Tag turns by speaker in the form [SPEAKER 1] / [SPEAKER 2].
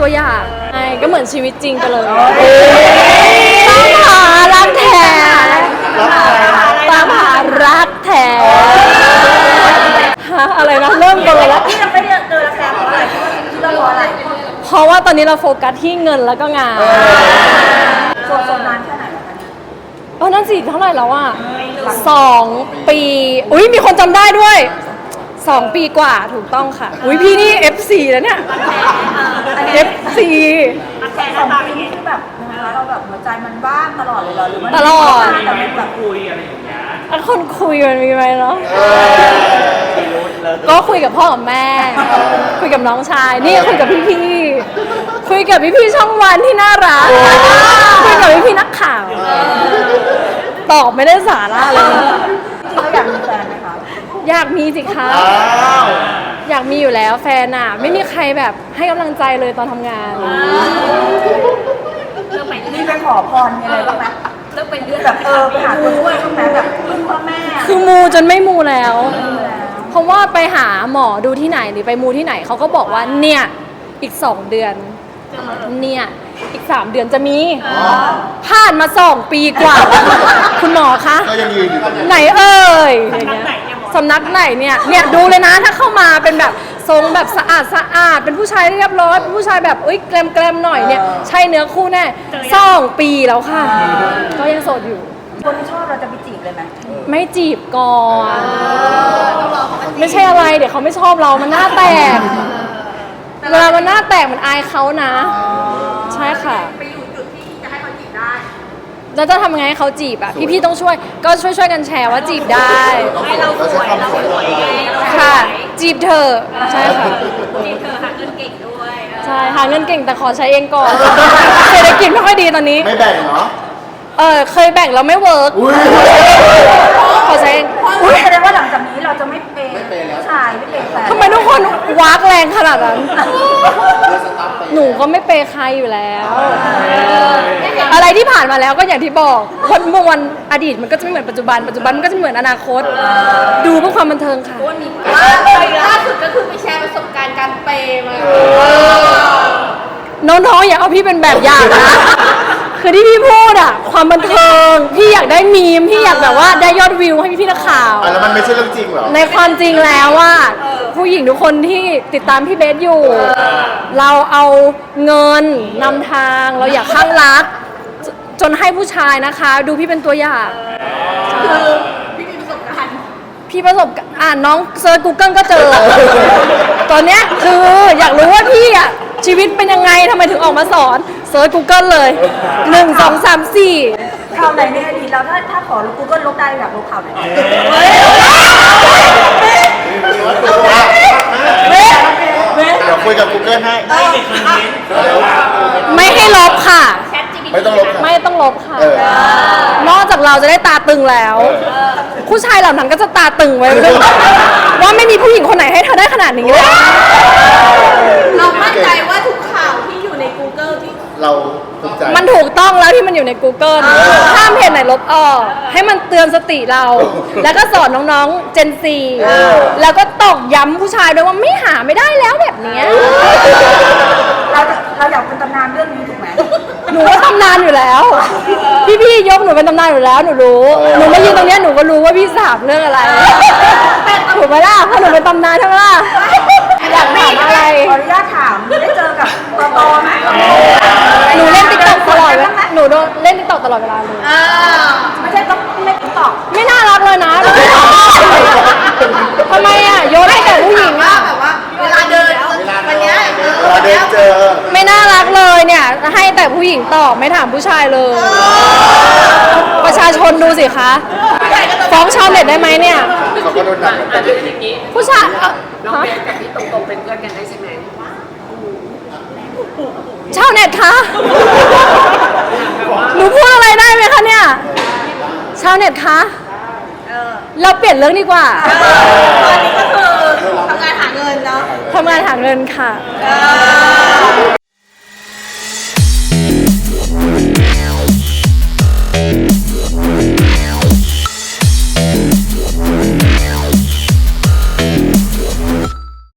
[SPEAKER 1] ตัวอย่างใช่ก็เหมือนชีวิตจริงไปเลยตามหารักแท้ตามหารักแท้ฮะอะไรนะเริ่มกันเลยแล้ว
[SPEAKER 2] ที่เราไม่ได้เจอราคาเพราะอะไรที่เรารออะไร
[SPEAKER 1] เพราะว่าตอนนี้เราโฟกัสที่เงินแล้วก็งาน
[SPEAKER 2] ส่วนนานแค่ไหนแล้วคะ
[SPEAKER 1] นั่นสิเท่าไหร่แล้วอ่ะ2 ปีอุ้ยมีคนจำได้ด้วย2 ปีกว่าถูกต้องค่ะอุ้ยพี่นี่ FC แล้วเนี่ย FC
[SPEAKER 2] 2 ปีนี่คือแบบนะคะเราแบบหัวใจมันบ้างตลอดเลยเหรอหรือมัน
[SPEAKER 1] ตลอด
[SPEAKER 2] แบบคุยอะไรอย่างเงี้ย
[SPEAKER 1] คนคุยมันมีไหมเนาะก็คุยกับพ่อกับแม่ คุยกับน้องชายนี่คุยกับพี่ๆคุยกับพี่ๆช่องวันที่น่ารักคุยกับพี่ๆนักข่าวตอบไม่ได้สาระเลย
[SPEAKER 2] จริงๆเราอยากมีแฟนไหมคะ
[SPEAKER 1] อยากมีสิคะอยากมีอยู่แล้วแฟนอ่ะไม่มีใครแบบให้กำลังใจเลยตอนทำงาน
[SPEAKER 2] นี่ไปขอพรอะไรบ้างไหมเลิกเป็นเดือนแบบไปหาคนช่วยบ้างไหมแบบพึ่งพ่อแม่
[SPEAKER 1] คือมูจนไม่มูแล้วเพราะว่าไปหาหมอดูที่ไหนหรือไปมูที่ไหนเขาก็บอกว่าเนี่ยอีก2 เดือนเนี่ยอีก3 เดือนจะมีผ่านมา2 ปีกว่าคุณหมอคะ
[SPEAKER 3] ก็ยังยืนอยู่ตรงนี้
[SPEAKER 1] ไหนเอ่ยอย่างเงี้ยสำนักไหนเนี่ยดูเลยนะถ้าเข้ามาเป็นแบบทรงแบบสะอาดเป็นผู้ชายเรียบร้อยเป็นผู้ชายแบบแกลมหน่อยเนี่ยใช่เนื้อคู่แน่2 ปีแล้วค่ะก็ยังโสดอยู่
[SPEAKER 2] คนที่ชอบเราจะไปจีบเลยไหม
[SPEAKER 1] ไม่จีบก่อนไม่ใช่อะไรเดี๋ยวเขาไม่ชอบเรามันหน้าแตกเวลามันหน้าแตกมันอายเขานะใช่ค่ะ
[SPEAKER 2] ไปอยู่จุดที่จะให้เขาจีบได้
[SPEAKER 1] แล้วจะทำไงให้เขาจีบอ่ะพี่ๆต้องช่วยก็ช่วยกันแชร์ว่าจีบได้
[SPEAKER 2] ให้เราสวย
[SPEAKER 1] ค่ะจีบเธอใช่ค่ะ
[SPEAKER 2] จีบเธอหาเงินเก่งด้วย
[SPEAKER 1] ใช่หาเงินเก่งแต่ขอใช้เองก่อนเศรษฐกิจไม่ค่อยดีตอนนี้
[SPEAKER 3] ไม่แบ่งเนาะ
[SPEAKER 1] เคยแบ่งแล้วไม่เวิร์กขอใช้เอง
[SPEAKER 2] แสดงว่าหลังจากนี้เราจะไม่เปย์ผู้ชายไม่เปย์แฟน
[SPEAKER 1] ทำไมทุกคนวากแรงขนาดนั้นหนูก็ไม่เปย์ใครอยู่แล้วอะไรที่ผ่านมาแล้วก็อย่างที่บอกวันอดีตมันก็จะไม่เหมือนปัจจุบันมันก็จะเหมือนอนาคตดูเพื่อความบันเทิงค่ะ
[SPEAKER 2] ล่าสุดก็คือไปแชร์ประสบการณ์การเปย์มา
[SPEAKER 1] น้องๆอย่าเอาพี่เป็นแบบอย่างนะคือที่พี่พูดอะความบันเทิงพี่อยากได้มีมพี่อยากแบบว่าได้ยอดวิวให้พี่นักข่าว
[SPEAKER 3] แล้วมันไม่ใช่เรื่องจริงเหรอ
[SPEAKER 1] ในความจริงแล้วว่าผู้หญิงทุกคนที่ติดตามพี่เบสอยู่เราเอาเงินนำทางเราอยากข้างรักจนให้ผู้ชายนะคะดูพี่เป็นตัวอย่าง
[SPEAKER 2] คือพี่มีประสบการณ์
[SPEAKER 1] น้องเซิร์ช Google ก็เจอตอนเนี้ยคืออยากรู้ว่าพี่อะชีวิตเป็นยังไงทำไมถึงออกมาสอนเซิร์ช Google เลย1 2 3 4
[SPEAKER 2] ข่าวไหนในอดีตเราถ้าขอGoogle ลบได้อยากลบข่าวไหน
[SPEAKER 3] เดี๋ยวคุยกับ Google ให้
[SPEAKER 1] ไม่ให้ลบค่ะ
[SPEAKER 3] ไม่ต้องลบ
[SPEAKER 1] ไม่ต้องลบค่ะนอกจากเราจะได้ตาตึงแล้วผู้ชายเหล่านั้นก็จะตาตึงไว้ว่าไม่มีผู้หญิงคนไหนให้เธอได้ขนาดนี้เลย
[SPEAKER 2] เรามั่นใจว่าทุกข่าวที่อยู่ใน Google ที่
[SPEAKER 3] เราภูมิใจ
[SPEAKER 1] มันถูกต้องแล้วที่มันอยู่ใน Google ห้ามเพจไหนลบออกให้มันเตือนสติเราแล้วก็สอนน้องๆ Gen Z แล้วก็ตอกย้ำผู้ชายด้วยว่าไม่หาไม่ได้แล้วแบบนี้
[SPEAKER 2] เราอยากเป็นตำนานเรื่องนี้ถูกไหม
[SPEAKER 1] หนูว่าตำนานอยู่แล้วพี่ยกหนูเป็นตำนานอยู่แล้วหนูรู้หนูมายืนตรงนี้หนูก็รู้ว่าพี่สาบเรื่องอะไรถูกไหมล่ะเพราะหนูเป็นตำนานใช่ไหมล่ะอยากถามอะไร
[SPEAKER 2] ขออนุญาตถามได้เจอกับตอไหม
[SPEAKER 1] หนูเล่นติ๊กต็อกตลอดเลยหนูเล่นติ๊กต็อกตลอดเวลาเลย
[SPEAKER 2] ไม่ใช่ต้องเล่นติ๊กต็อก
[SPEAKER 1] ไม่น่ารักเลยนะทำไมอ่ะโยนให้แต่ผู้หญิงอ่ะ
[SPEAKER 2] แบบว่าเวลาเดินวันนี้
[SPEAKER 3] เจอ
[SPEAKER 1] ไม่น่ารักเลยเนี่ยให้แต่ผู้หญิงตอบไม่ถามผู้ชายเลยประชาชนดูสิคะฟ้องชาวเน็ตได้ไหมเนี่ย
[SPEAKER 3] เขาก็โดนหนัก
[SPEAKER 1] ผู้ชาย
[SPEAKER 2] น้องเบสกับพี่ตรงๆเป็นเพื่อนกันได้ใช่ไหม
[SPEAKER 1] ชาวเน็ตคะหนูพูดอะไรได้ไหมคะเนี่ยชาวเน็ตคะเราเปลี่ยนเรื่องดีกว่า
[SPEAKER 2] ตอนนี้ก็คือทำงานหาเงินเนาะ
[SPEAKER 1] ทำงานหาเงินค่ะ